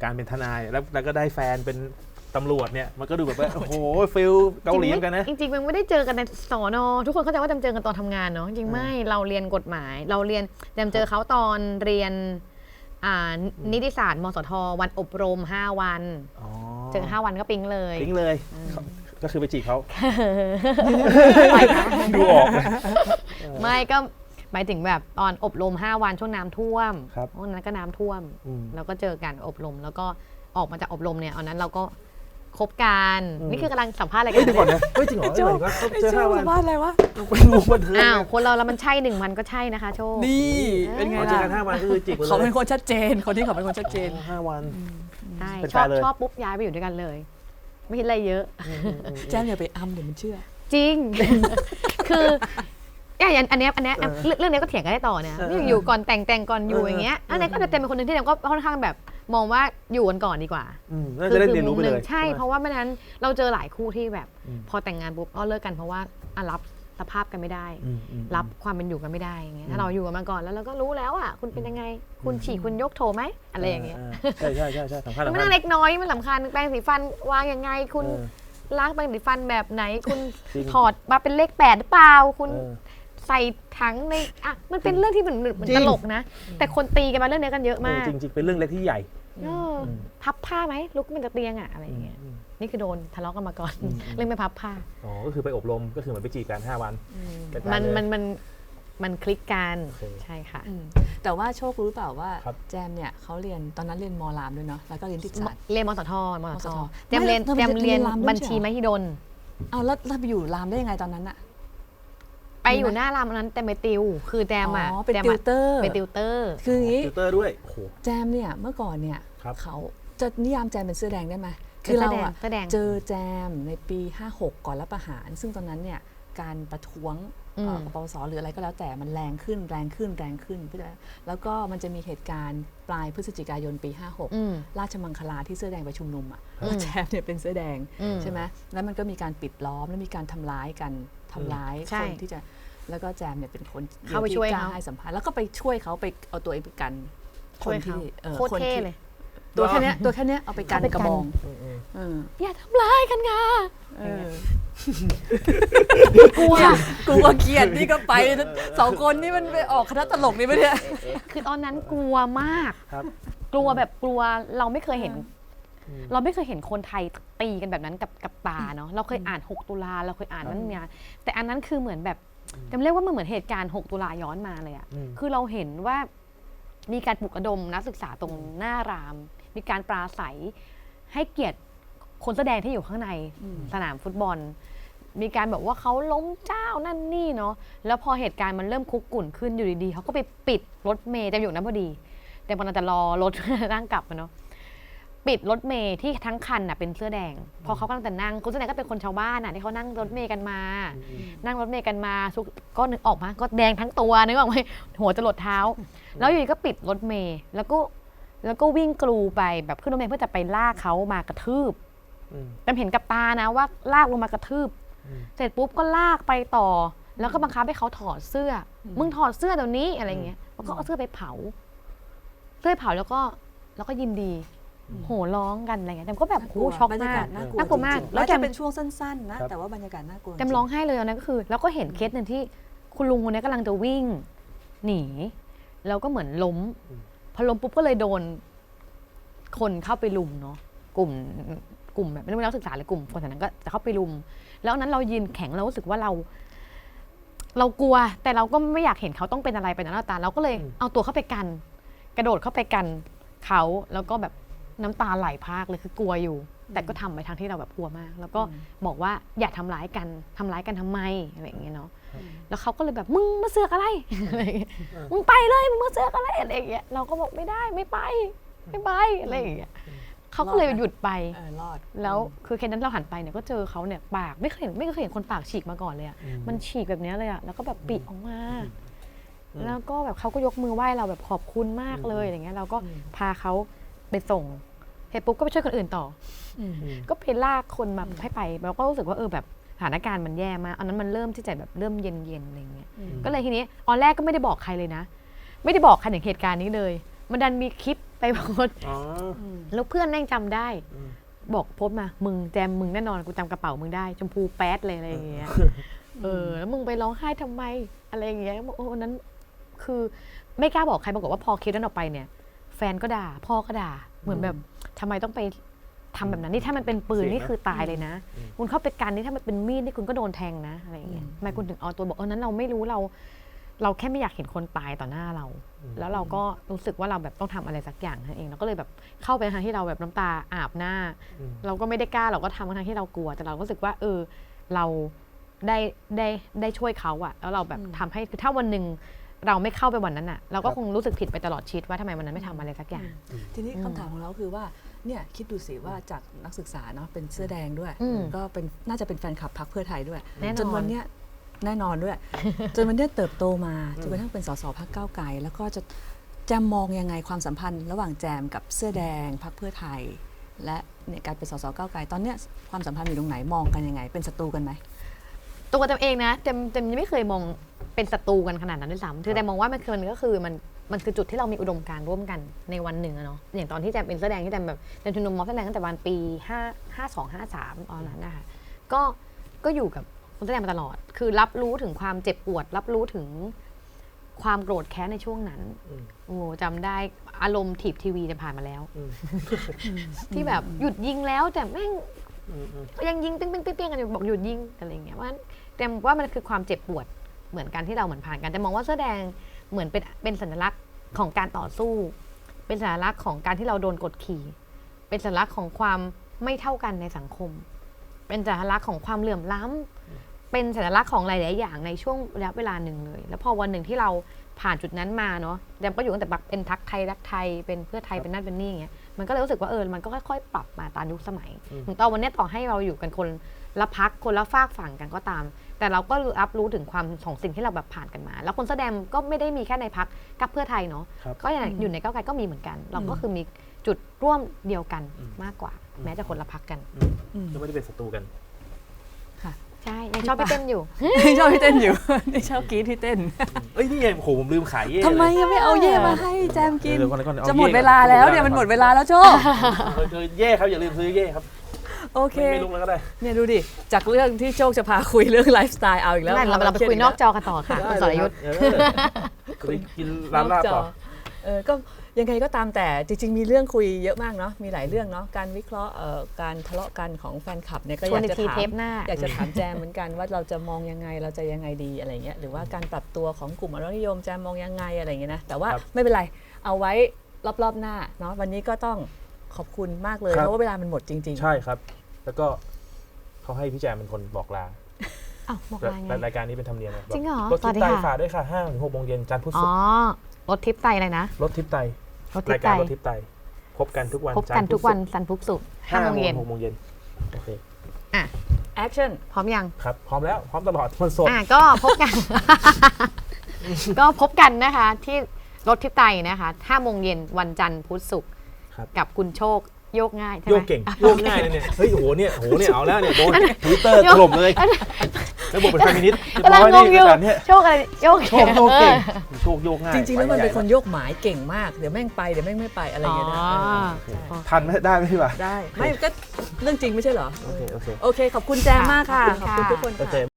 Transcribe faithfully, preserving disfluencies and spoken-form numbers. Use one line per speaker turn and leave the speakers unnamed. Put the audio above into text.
การเป็นทนายแล้วแล้วก็ได้แฟนเป็นตำรวจเนี่ยมันก็ดูแบบว่าโอ้โหฟิลเกาหลีกันนะ
จริงๆมันไม่ได้เจอกันในสอนอทุกคนเข้าใจว่าจำเจอกันตอนทำงานเนาะจริงไม่เราเรียนกฎหมายเราเรียนจำเจอเขาตอนเรียนนิติศาสตร์มสทวันอบรมห้าวันเจอห้าวันก็ปิ๊งเลย
ปิ๊งเลยก็คือไปจีบเขาดูออก
ไม่ก็หมายถึงแบบตอนอบรมห้าวันช่วงน้ำท่วมเพราะนั้นก็น้ำท่วมแล้วก็เจอกันอบรมแล้วก็ออกมาจากอบรมเนี่ยอันนั้นเราก็คบกันนี่คือกำลังสัมภาษณ์อะไรกัน
เฮ้ยก่อนนะเฮ้ยจริงเหรอจริงเหรอ
เจอห้าวันสัมภาษณ์อะไรวะ
ไปรู้บันเทิง
อ้าวคนเราแล้วมันใช่หนึ่งวันก็ใช่นะคะโชค
นี่เป็นไงล่ะ
เจอกันห้าวันก็คือจีบ
เขาเป็นคนชัดเจนคนที่เขาเป็นคนชัดเจน
ห้าวัน
ใช่ชอบชอบปุ๊บย้ายไปอยู่ด้วยกันเลยไม่คิดอะไรเยอะ
แจ้งอย่าไปอ้ำเดี๋ยวมันเชื่อ
จริงคืออย่างอันนี้อันนี้เรื่องนี้ก็เถียงกันได้ต่อเนี่ยอยู่ก่อนแต่งแต่งก่อนอยู่อย่างเงี้ยอันนี้ก็จะเป็นคนหนึ่งที่เราก็ค่อนข้างแบบมองว่าอยู่กันก่อนดีกว่า
คือจะได้เรียนรู้ไปเลย
ใช่เพราะว่าไม่นั้นเราเจอหลายคู่ที่แบบพอแต่งงานปุ๊บก็เลิกกันเพราะว่ารับสภาพกันไม่ได้รับความเป็นอยู่กันไม่ได้อย่างเงี้ยถ้าเราอยู่กันมาก่อนแล้วเราก็รู้แล้วอ่ะคุณเป็นยังไงคุณฉี่คุณยกโถไหมอะไรอย่างเงี้ย
ใช่ใช่ใช่ใช่สำคัญ
มันเล็กน้อยมันสำคัญแปรงสีฟันวางยังไงคุณล้างแปรงสีฟันแบบไหนคุณถอดมาเป็นเลขแปดหรือเปล่าคุณใส่ถังในอ่ะมันเป็นเรื่องที่เหมือนเหมือนตลกนะแต่คนตีกันมาเรื่องนี้กันเยอะมาก
จริงๆเป็นเรื่องเล็กที่ใหญ่
พับผ้าไหมลุกขึ้นจากเตียงอ่ะอะไรอย่างเงี้ยนี่คือโดนทะเลาะกันมาก่อนเรื่องไม่พับผ้า
อ๋อก็คือไปอบรมก็คือเหมือนไปจีบกันห้าวัน
มันมันมันมันคลิกกันใช่ค่ะ
แต่ว่าโชครู้เปล่าว่าแจมเนี่ยเขาเรียนตอนนั้นเรียนม.รามด้วยเนาะแล้วก็เรียนที่ศาสตร์
เรียนมสทมสทแจมเรียนแจมเรียนบัญชีมหิดล
เอาแล้วเราไปอยู่รามได้ยังไงตอนนั้นอะ
ไปอยู่หน้ารามนั้นแต่ไปติวคือแจมอ่ะ
เป็นติวเตอร์
เป็นติวเตอร์
คืออย่างนี้
ติวเตอร์ด้วย
แจมเนี่ยเมื่อก่อนเนี่ยเขาจะนิยามแจมเป็นเสื้อแดงได้ไหมคือเราอะเจอแจมในปีห้าหกก่อนรัฐประหารซึ่งตอนนั้นเนี่ยการประท้วงกปปสหรืออะไรก็แล้วแต่มันแรงขึ้นแรงขึ้นแรงขึ้นแล้วก็มันจะมีเหตุการณ์ปลายพฤศจิกายนปีห้าหกราชมังคลาที่เสื้อแดงไปชุมนุมอ่ะแจมเนี่ยเป็นเสื้อแดงใช่ไหมแล้วมันก็มีการปิดล้อมแล้วมีการทำร้ายกันทำร้ายคนที่จะแล้วก็แจมเนี่ยเป็นคน
เข้าไปช่วยเขา
ให้สัมภาษณ์แล้วก็ไปช่วยเขาไปเอาตัวเองไปกัน
คนที่โคตรเท่เลย
ตัวแค่นี้ตัวแค่นี้เอาไปกันกระบอง
อย่าทำร้ายกันค่ะ
กลัวกลัวเกลียดนี่ก็ไปสองคนนี่มันไปออกคณะตลกนี่ไม่เนี่ย
คือตอนนั้นกลัวมากกลัวแบบกลัวเราไม่เคยเห็นเราไม่เคยเห็นคนไทยตีกันแบบนั้นกับกับตาเนาะเราเคยอ่านหกตุลาเราเคยอ่านนั่นเนี่ยแต่อันนั้นคือเหมือนแบบจำเรียกว่ามันเหมือนเหตุการณ์หกตุลาย้อนมาเลยอ่ะคือเราเห็นว่ามีการปลุกระดมนักศึกษาตรงหน้ารามมีการปราศัยให้เกียรติคนแสดงที่อยู่ข้างในสนามฟุตบอลมีการแบบว่าเขาล้มเจ้านั่นนี่เนาะแล้วพอเหตุการณ์มันเริ่มคุกกุ่นขึ้นอยู่ดีๆเขาก็ไปปิดรถเมล์แต่อยู่นั้นพอดีแต่มันจะรอรถนั่งกลับมาเนาะปิดรถเมล์ที่ทั้งคันน่ะเป็นเสื้อแดงพอเขากำลังจะนั่งคนแสดงก็เป็นคนชาวบ้านน่ะที่เขานั่งรถเมล์กันมานั่งรถเมล์กันมาก็นึกออกมาก็แดงทั้งตัวนึกออกไหมหัวจะหลดเท้าแล้วอยู่ดีก็ปิดรถเมล์แล้วก็แล้วก็วิ่งกรูไปแบบขึ้นรถเมล์เพื่อจะไปลากเขามากระทืบจำเห็นกับตานะว่าลากลงมากระทืบเสร็จปุ๊บก็ลากไปต่อแล้วก็บังคับให้เขาถอดเสื้อมึงถอดเสื้อเดี๋ยวนี้อะไรเงี้ยแล้วก็เอาเสื้อไปเผาเสื้อเผาแล้วก็แล้วก็ยินดีโห่ร้องกันอะไรเงี้ยแต่ก็แบบโอ้ช็อกมากน่ากลัวมาก
แล้วจะเป็นช่วงสั้นๆนะแต่ว่าบรรยากาศน่ากลัว
จำร้องไห้เลยอันนั้นก็คือแล้วก็เห็นเคสหนึ่งที่คุณลุงคนนี้กำลังจะวิ่งหนีแล้วก็เหมือนล้มพอล้มปุ๊บก็เลยโดนคนเข้าไปลุมเนาะกลุ่มกลุ่มแบบไม่รู้นักศึกษาหรือกลุ่มคนแถวนั้นก็จะเข้าไปลุมแล้วนั้นเรายืนแข็งเรารู้สึกว่าเราเรากลัวแต่เราก็ไม่อยากเห็นเขาต้องเป็นอะไรไปนะหน้าตาเราก็เลยเอาตัวเข้าไปกันกระโดดเข้าไปกันเขาแล้วก็แบบน้ำตาไหลพรากเลยคือกลัวอยู่แต่ก็ทำไปทางที่เราแบบกลัวมากแล้วก็บอกว่าอย่าทำร้ายกันทำร้ายกันทำไมอะไรอย่างเงี้ยเนาะแล้วเขาก็เลยแบบมึงมาเสือกอะไรมึงไปเลยมึงมาเสือกอะไรอะไรอย่างเงี้ยเราก็บอกไม่ได้ไม่ไปไม่ไปอะไรอย่างเงี้ยเขาก็เลยหยุดไปแล้วคือแค่นั้นเราหันไปเนี่ยก็เจอเขาเนี่ยปากไม่เคยเห็นไม่เคยเห็นคนปากฉีกมาก่อนเลยอ่ะมันฉีกแบบนี้เลยอ่ะแล้วก็แบบปิออกมาแล้วก็แบบเขาก็ยกมือไหว้เราแบบขอบคุณมากเลยอย่างเงี้ยเราก็พาเขาไปส่งเสร็จปุ๊บก็ไปช่วยคนอื่นต่อก็ไปลากคนมาให้ไปเราก็รู้สึกว่าเออแบบสถานการณ์มันแย่มากอันนั้นมันเริ่มที่จะแบบเริ่มเย็นๆอะไรเงี้ยก็เลยทีนี้ตอนแรกก็ไม่ได้บอกใครเลยนะไม่ได้บอกใครถึงเหตุการณ์นี้เลยมันดันมีคลิปไปโพสต์
อ๋อ
แล้วเพื่อนแม่งจำได้
อืม
บอกโพสต์มามึงแจมมึงแน่นอนกูจำกระเป๋ามึงได้ชมพูแป๊ดเลยอะไรอย่างเงี้ยเออแล้วมึงไปร้องไห้ทำไมอะไรอย่างเงี้ยบอกโอ้วันนั้นคือไม่กล้าบอกใครปรากฏว่าพอคลิปนั้นออกไปเนี่ย แฟนก็ด่าพ่อก็ด่าเหมือนแบบทำไมต้องไปทำแบบนั้นนี่ถ้ามันเป็นปืนนี่คือตายเลยนะ คุณเข้าไปกันนี่ถ้ามันเป็นมีดนี่คุณก็โดนแทงนะอะไรอย่างเงี้ยทำไมคุณถึงเอาตัวบอกเออนั้นเราไม่รู้เรา เราแค่ไม่อยากเห็นคนตายต่อหน้าเรา แล้วเราก็รู้สึกว่าเราแบบต้องทำอะไรสักอย่างนั่นเองเราก็เลยแบบเข้าไปทางที่เราแบบน้ำตาอาบหน้า เราก็ไม่ได้กล้าเราก็ทำทางที่เรากลัวแต่เราก็รู้สึกว่าเออเราได้ได้ได้ช่วยเขาอะแล้วเราแบบทำให้คือถ้าวันหนึ่งเราไม่เข้าไปวันนั้นอะเราก็คงรู้สึกผิดไปตลอดชีวิตว่าทำไมวันนั้นไม่ทำอะไรสักอย่าง
ทีนี้คำถามของเราคือว่าเนี่ยคิดดูสิว่าจากนักศึกษาเนาะเป็นเสื้อแดงด้วย
อืม
ก็เป็นน่าจะเป็นแฟนคลับพรรคเพื่อไทยด้วย
แน่นอน
จนวันเนี้ยแน่นอนด้วย จนวันเนี้ยเติบโตมาจนกระทั่งเป็นสสพรรคก้าวไกลแล้วก็จะแจมมองยังไงความสัมพันธ์ ระหว่างแจมกับเสื้อแดงพรรคเพื่อไทย และเนี่ยการเป็นสสก้าวไกลตอนเนี้ยความสัมพันธ์อยู่ตรงไหนมองกันยังไง เป็นศัตรูกันไหม
ตัวจำเองนะจำจำยังไม่เคยมองเป็นศัตรูกันขนาดนั้นด้วยซ้ำคือแต่มองว่ามันคือมันก็คือมันมันคือจุดที่เรามีอุดมการณ์ร่วมกันในวันหนึ่งอะเนาะอย่างตอนที่แจมเป็นเสื้อแดงที่แจมแบบแจมชุมนุมม็อบเสื้อแดงตั้งแต่วันปีห้า ห้าสอง ห้าสามตอนนั้นนะคะก็ก็อยู่กับคนเสื้อแดงมาตลอด คือรับรู้ถึงความเจ็บปวด รับรู้ถึงความโกรธแค้นในช่วงนั้นโอ้จำได้อารมณ์ถีบทีวีจะผ่านมาแล้ว ที่แบบหยุดยิงแล้วแต่แม่งยังยิงปิ๊งปิ๊งปิ๊งปิ๊งกันอยู่บอกหยุดยิงอะไรอย่างเงี้ยว่าแต่ว่ามันคือความเจ็บปวดเหมือนกันที่เราเหมือนผ่านกันแต่มองว่าเสื้อแดงเหมือนเป็นเป็นสัญลักษณ์ของการต่อสู้ เป็นสัญลักษณ์ของการที่เราโดนกดขี่เป็นสัญลักษณ์ของความไม่เท่ากันในสังคม เป็นสัญลักษณ์ของความเหลื่อมล้ำเป็นสัญลักษณ์ของหลายๆอย่างในช่วงระยะเวลาหนึ่งเลย แล้วพอวันหนึ่งที่เราผ่านจุดนั้นมาเนาะแดมก็อยู่ตั้งแต่บักเป็นทักไทยรักไทยเป็นเพื่อไทยเป็นนั่นเป็นนี่อย่างเงี้ยมันก็เลยรู้สึกว่าเออมันก็ค่อยๆปรับมาตามยุคสมัยถึงตอนวันนี้ต่อให้เราอยู่กันคนละพักคนละฝากฝั่งกันก็ตาม แต่เราก็รับรู้ถึงความของสิ่งที่เราแบบผ่านกันมา แล้วคนแสดงก็ไม่ได้มีแค่ในพักกับเพื่อไทยเนาะก็อยู่ในก้าวไกลก็มีเหมือนกัน เราก็คือมีจุดร่วมเดียวกันมากกว่า แม้จะคนละพักกัน
ก็ไม่ได้เป็นศัตรูกัน
ใช่ยังชอบพี่เต้นอยู่
ชอบพี่เต้นอยู่ นี่ชอบกรีดที่เต้น
เอ้ยนี่ไงโหผมลืมขายเย่
ทำไมยังไม่เอาเย่มาให้แจมกิน
เดี๋ยวก่อนเดี๋ยวก่อนเอา
จะหมด
ย่
เวลาแล้วเนี่ยมันหมดเวลาแล้วโชค
เออเออเย่ครับอย่าลืมซื้อเย่ครับ
โอเค
ไม่ไม่ลุกแล้วก็ได้
เนี่ยดูดิ จากเรื่องที่โชคจะพาคุยเรื่องไลฟ์สไตล์เอาอีกแล้ว
นั่นเราเราไปคุยนอกจอกันต่อค่ะคุณสรยุทธ์
เออไปกินร้านลาบต่อ
เออก็ยังไงก็ตามแต่จริงๆมีเรื่องคุยเยอะมากเนาะมีหลายเรื่องเนาะการวิเคราะห์เอ่อการทะเลาะกันของแฟนคลับเนี่ยก็
ช
อ
วน
ยาก
อีก
จะ
ที
ถาม
เทปหน้า
อยากจะถามแจมเหมือนกันว่าเราจะมองยังไงเราจะยังไงดีอะไรเงี้ยหรือว่าการปรับตัวของกลุ่มอนุรักษ์นิยมแจมมองยังไงอะไรเงี้ยนะแต่ว่า
ครับ
ไม่เป็นไรเอาไว้รอบๆหน้าเนาะวันนี้ก็ต้องขอบคุณมากเลย
ครับ
เพราะว่าเวลามันหมดจริงๆ
ใช่ครับ แล้วก็เขาให้พี่แจมเป็นคนบอกลา
อ้าวบอกลาไง
รายการนี้เป็นธรรมเนียมนะ
จริงเหรอ
รถทิพ
สวัสดี
ย์ไต
ค่ะ
ฝากด้วยค่ะห้าถึงหกโมงเย็นจันทร์พุธ
อ๋
ศุ
อก
ร์
รถทิปไตอะไรนะ
รถทิพย์ไต
รถทิ
รา
ป
ย
ไต
การรถทิพย์ไตพบกันทุกวัน
พบกันทุกวันสันพุกสุกห้า
ห้า
โม
โม
ง
ง
เย็น
หกโมงเย็นโอเค
อ่ะ
action
พร้อมยัง
ครับพร้อมแล้วพร้อมตลอดมันสด
อ่ะก็พบกัน ก็พบกันนะคะ ที่รถทิพย์ไตนะคะห้าโมงเย็นวันจันทร์พุธศุกร์
ครับ
กับคุณโชคโยกง่ายใช่ไหม
โยกเก่งโยกง่ายเลยเนี่ยเฮ้ยโอ้โหเนี่ยโอ้โหเนี่ยเอาแล้วเนี่ยโดนทวิตเตอร์ถล่มเลยแล้วบอกเป็นเฟมินิสต์เรียบ
กำลัง
ร้อย
ง
นี่
งอยู่
รายการเนี่ย
โชคอะไรโยก
โชคโยกเก่งโชคโยกง่าย
จริงๆแล้วมันเป็นคน
ไปใหญ่
โยกหมายเก่งมากเดี๋ยวแม่งไปเดี๋ยวแม่งไม่ไปอะไรอย่างเงี้ยนะ
อ๋อ
เออใช่
ทันไหมได้ไหมพี่บ่า
ได้ไม่ก็เรื่องจริงไม่ใช่เหรอ
โอเคโอเค
โอเค ขอบคุณแจมมากค่ะ
ขอบคุณค่ะ
ขอบคุณทุกคน
โอเค
ค่ะ